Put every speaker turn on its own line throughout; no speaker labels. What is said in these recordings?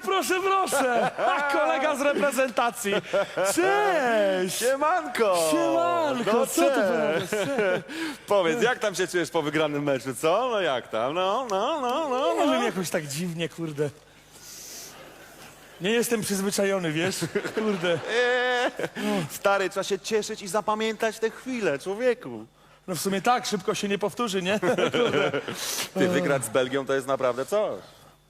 proszę, proszę. Kolega z reprezentacji. Cześć.
Siemanko!
Siemanko,
No,
co ty
cześć.
powiesz?
Powiedz, jak tam się czujesz po wygranym meczu, co? No jak tam?
Nie wiem, jakoś tak dziwnie, kurde. Nie jestem przyzwyczajony, wiesz? Kurde.
Stary, trzeba się cieszyć i zapamiętać te chwile, człowieku.
No w sumie tak, szybko się nie powtórzy, nie?
Ty, wygrać z Belgią to jest naprawdę coś.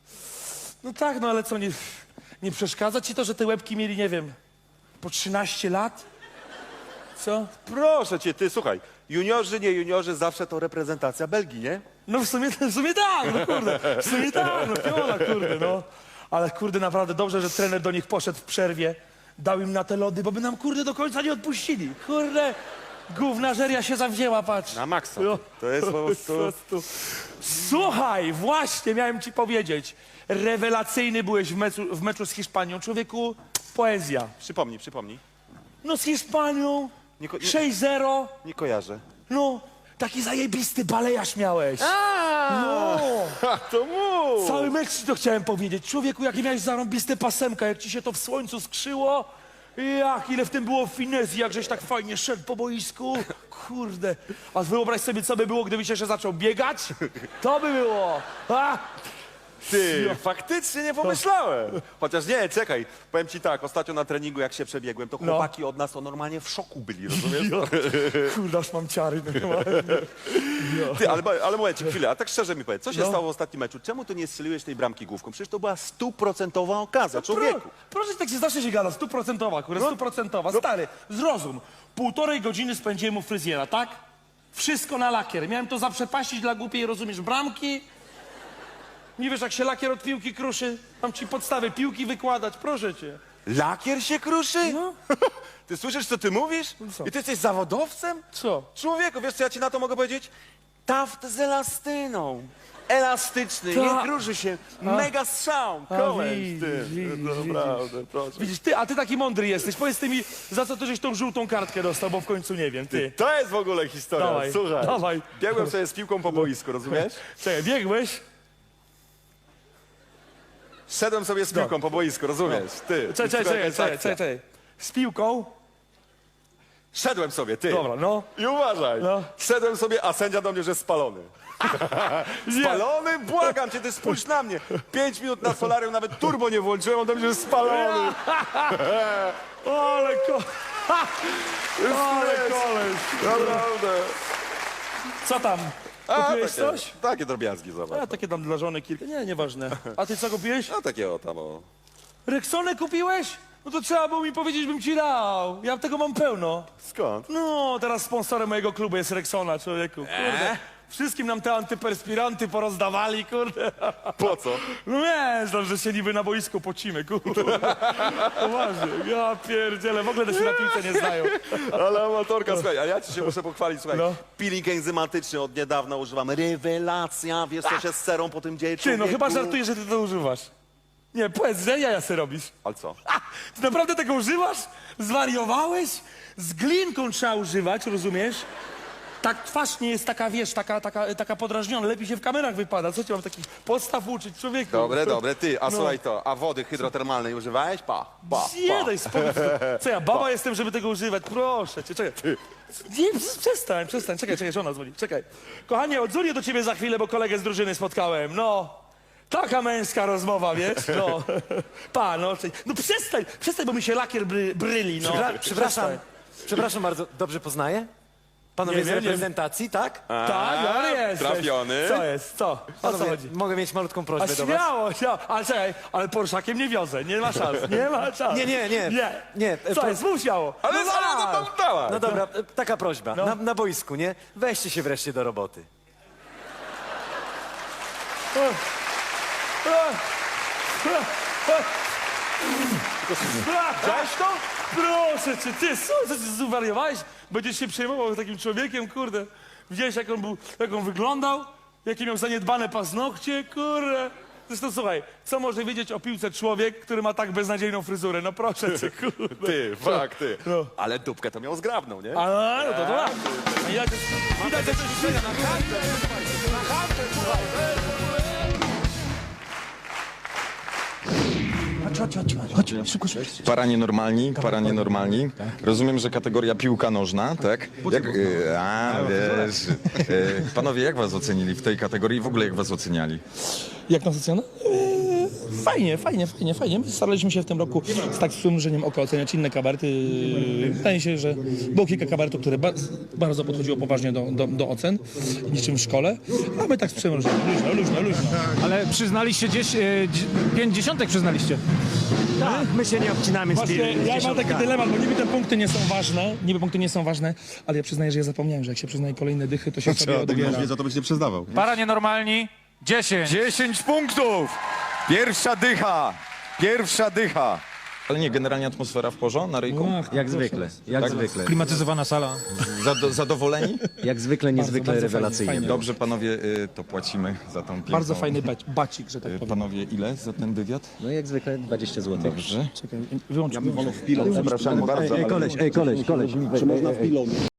No tak, no ale co, nie przeszkadza ci to, że te łebki mieli, nie wiem, po 13 lat? Co?
Proszę cię, ty, słuchaj, juniorzy, nie juniorzy, zawsze to reprezentacja Belgii, nie?
No w sumie tak, no kurde. W sumie tak, no piola, kurde, no. Ale kurde, naprawdę dobrze, że trener do nich poszedł w przerwie, dał im na te lody, bo by nam, kurde, do końca nie odpuścili. Kurde, gównażeria się zawzięła, patrz.
Na maksa.
No.
To jest po prostu...
Słuchaj, właśnie miałem ci powiedzieć. Rewelacyjny byłeś w meczu z Hiszpanią. Człowieku, poezja.
Przypomnij.
No z Hiszpanią,
Nie
6-0.
Nie kojarzę.
No, taki zajebisty balejarz miałeś. No,
To mów!
cały mecz ci to chciałem powiedzieć. Człowieku, jakie miałeś zarąbiste pasemka, jak ci się to w słońcu skrzyło. Jak, ile w tym było finezji, jak żeś tak fajnie szedł po boisku. Kurde. A wyobraź sobie, co by było, gdybyś jeszcze zaczął biegać? To by było. A!
Ty, faktycznie nie pomyślałem. Chociaż nie, czekaj, powiem ci tak, ostatnio na treningu jak się przebiegłem, to chłopaki od nas to normalnie w szoku byli, rozumiesz?
Kurde, aż mam ciary normalnie.
Ty, ale mówię ci chwilę, a tak szczerze mi powiedz, co się stało w ostatnim meczu? Czemu ty nie strzeliłeś tej bramki główką? Przecież to była 100% okazja, człowieku.
Proszę, tak się zawsze się gada, 100%, kurde, 100%. Stary, zrozum. 1,5 godziny spędziłem u fryzjera, tak? Wszystko na lakier. Miałem to zaprzepaścić dla głupiej, rozumiesz, bramki. Nie wiesz, jak się lakier od piłki kruszy? Mam ci podstawy piłki wykładać, proszę cię.
Lakier się kruszy?
No.
Ty słyszysz, co ty mówisz?
Co?
I ty jesteś zawodowcem?
Co?
Człowieku, wiesz co ja ci na to mogę powiedzieć? Taft z elastyną. Elastyczny,
Ta.
nie kruszy się. Mega strzał. Koleś, ty.
widzisz,
Naprawdę, proszę.
Widzisz, a ty taki mądry jesteś. Powiedz ty mi, za co ty żeś tą żółtą kartkę dostał, bo w końcu nie wiem, ty.
To jest w ogóle historia,
Dawaj,
słuchaj.
dawaj.
Biegłem sobie z piłką po boisku, rozumiesz?
Czekaj, biegłeś?
Szedłem sobie z piłką po boisku, rozumiesz? Ty.
Czekaj. Z piłką?
Szedłem sobie, ty.
Dobra, no.
I uważaj.
No.
Szedłem sobie, a sędzia do mnie, że spalony. Spalony? Błagam cię, ty spójrz na mnie. 5 minut na solarium, nawet turbo nie włączyłem, on do mnie, że spalony.
Ale koleś.
Naprawdę.
Co tam? Kupiłeś coś?
Takie drobiazgi, zobacz.
A takie tam dla żony kilka. Nie, nieważne. A ty co kupiłeś?
A takie o tam o.
Rexonę kupiłeś? No to trzeba było mi powiedzieć, bym ci dał. Ja tego mam pełno.
Skąd?
No, teraz sponsorem mojego klubu jest Rexona, człowieku. Kurde. Wszystkim nam te antyperspiranty porozdawali, kurde.
Po co?
No wiesz, no, że się niby na boisku pocimy, kurde. Poważnie. Ja pierdzielę, w ogóle to się na piłce nie znają.
Ale amatorka, słuchaj, a ja ci się muszę pochwalić, słuchaj.
No.
Peeling enzymatyczny od niedawna używam. Rewelacja, wiesz co się z serą po tym dzieje,
Ty,
człowieku?
no chyba żartujesz, że ty to używasz. Nie, powiedz, że jaja se robisz.
Ale co?
Ty naprawdę tego używasz? Zwariowałeś? Z glinką trzeba używać, rozumiesz? Tak twarz nie jest taka, wiesz, taka podrażniona. Lepiej się w kamerach wypada. Co ci mam takich podstaw uczyć, człowieku?
Dobre, ty, a
No.
słuchaj to, a wody hydrotermalnej używałeś? Pa.
Nie, daj spokój. Co ja, baba jestem, żeby tego używać? Proszę cię, czekaj. Nie, przestań. Czekaj, żona dzwoni. Czekaj. Kochanie, odzwonię do ciebie za chwilę, bo kolegę z drużyny spotkałem. No. Taka męska rozmowa, wiesz? No. No przestań, bo mi się lakier bryli, no.
Przepraszam bardzo, dobrze poznaję? Panowie
Nie
z
wiem,
reprezentacji, tak?
Tak, ale jesteś.
trafiony.
Co jest? Co? O co
Panowie,
chodzi?
mogę mieć malutką
A
prośbę do was?
śmiało. Ale czekaj, ale Porszakiem nie wiozę, nie ma szans. Nie. Co jest? Mów śmiało.
Ale
no,
dawaj.
No dobra, taka prośba.
No.
Na boisku, nie? Weźcie się wreszcie do roboty.
Widziałeś to? Proszę cię, ty, co ty zwariowałeś? Będziesz się przejmował takim człowiekiem, kurde. Widziałeś, jak on wyglądał? Jakie miał zaniedbane paznokcie, kurde. Zresztą słuchaj, co może wiedzieć o piłce człowiek, który ma tak beznadziejną fryzurę? No proszę cię, kurde.
Ty, ty.
No.
Ale dupkę to miał zgrabną, nie?
A, no to tak. Widać, że coś na kartę, słuchaj. Chodź, szybko.
Para nienormalni. Rozumiem, że kategoria piłka nożna, tak? Jak, wiesz. Panowie, jak was ocenili w tej kategorii? W ogóle jak was oceniali?
Jak nas ocena? Fajnie. My staraliśmy się w tym roku z tak przymrużeniem oka oceniać inne kabarety. Wydaje się, że było kilka kabaretów, które bardzo podchodziło poważnie do ocen, niczym w szkole, a my tak z przymrużeniem. Luźno.
Ale przyznaliście gdzieś, 5 dziesiątek przyznaliście.
Tak, my się nie obcinamy z
Właśnie ja mam taki dylemat, bo niby te punkty nie są ważne, ale ja przyznaję, że ja zapomniałem, że jak się przyznaje kolejne dychy, to się sobie odbiera.
Za to byś nie przyznawał.
Para nienormalni, 10.
10 punktów! Pierwsza dycha.
Ale nie, generalnie atmosfera w porządku na ryjku?
Jak zwykle, zwykle.
Klimatyzowana sala.
Zadowoleni?
Jak zwykle, niezwykle
bardzo
rewelacyjnie.
fajnie.
Dobrze, panowie, to płacimy za tą piękną...
Bardzo fajny bacik, że tak powiem.
Panowie, ile za ten wywiad?
No jak zwykle 20 zł.
Dobrze.
Czekaj, wyłącz.
Zapraszamy bardzo.
Koleś.